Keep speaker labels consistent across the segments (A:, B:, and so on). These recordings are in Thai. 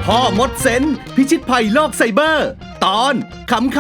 A: พ่อมดเซนพิชิตภัยโลกไซเบอร์ ตอนขำ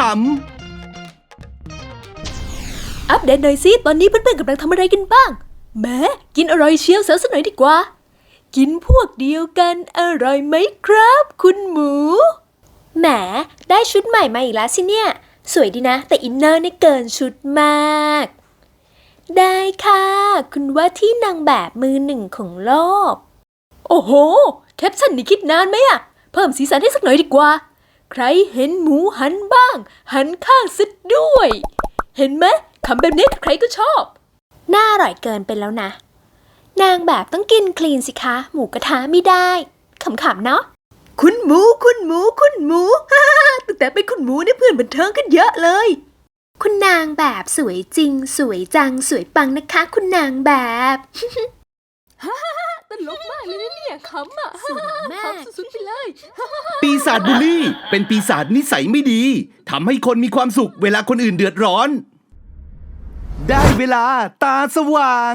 B: อัปเดตหน่อยสิตอนนี้เพื่อนๆกำลังทำอะไรกันบ้างแหมกินอร่อยเชียวเซลสักหน่อยดีกว่ากินพวกเดียวกันอร่อยไหมครับคุณหมูแหมได้ชุดใหม่มาอีกแล้วสิเนี่ยสวยดีนะแต่อินเนอร์เนี่ยเกินชุดมากได้ค่ะคุณว่าที่นางแบบมือหนึ่งของโลกโอ้โหแคปชั่นนี่คิดนานไหมอะเพิ่มสีสันให้สักหน่อยดีกว่าใครเห็นหมูหันบ้างหันข้างซะด้วยเห็นไหมคำแบบนี้ใครก็ชอบน่าอร่อยเกินไปแล้วนะนางแบบต้องกินคลีนสิคะหมูกระทะไม่ได้ขำๆเนาะคุณหมูฮ่าตั้งแต่เป็นคุณหมูเนี่ยเพื่อนบันเทิงกันเยอะเลยคุณนางแบบสวยจริงสวยจังสวยปังนะคะคุณนางแบบตลกมากเลยนะเนี่ยขำอ่ะสวยมากสุดๆไปเลย
A: ๆ ปีศาจบูลลี่เป็นปีศาจนิสัยไม่ดีทำให้คนมีความสุขเวลาคนอื่นเดือดร้อนได้เวลาตาสว่าง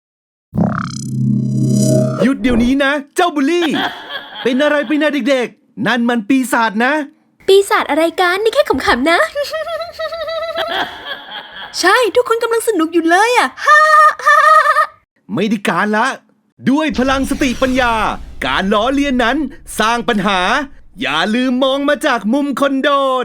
A: หยุดเดี๋ยวนี้นะเจ้าบูลลี่เป็นอะไรไปนะเด็กๆนั่นมันปีศาจนะ
B: ปีศาจอะไรกันนี่แค่ขำๆนะ ใช่ทุกคนกำลังสนุกอยู่เลยอ่ะ
A: ไม่ได้การละด้วยพลังสติปัญญาการล้อเลียนนั้นสร้างปัญหาอย่าลืมมองมาจากมุมคนโดน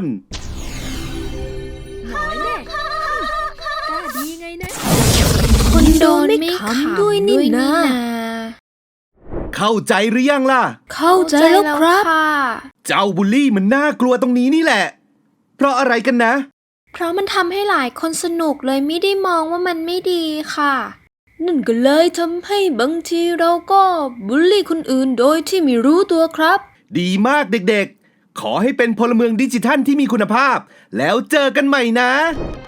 B: น้อยแน่กล้าดีไงนะคนโดนไม่ขำด้วยนี่นะ
A: เข้าใจหรือยังล่ะ
B: เข้าใจแล้วครับ
A: เจ้าบูลลี่มันน่ากลัวตรงนี้นี่แหละเพราะอะไรกันนะ
B: เพราะมันทำให้หลายคนสนุกเลยไม่ได้มองว่ามันไม่ดีค่ะนั่นก็เลยทำให้บางทีเราก็บูลลี่คนอื่นโดยที่ไม่รู้ตัวครับ
A: ดีมากเด็กๆขอให้เป็นพลเมืองดิจิทัลที่มีคุณภาพแล้วเจอกันใหม่นะ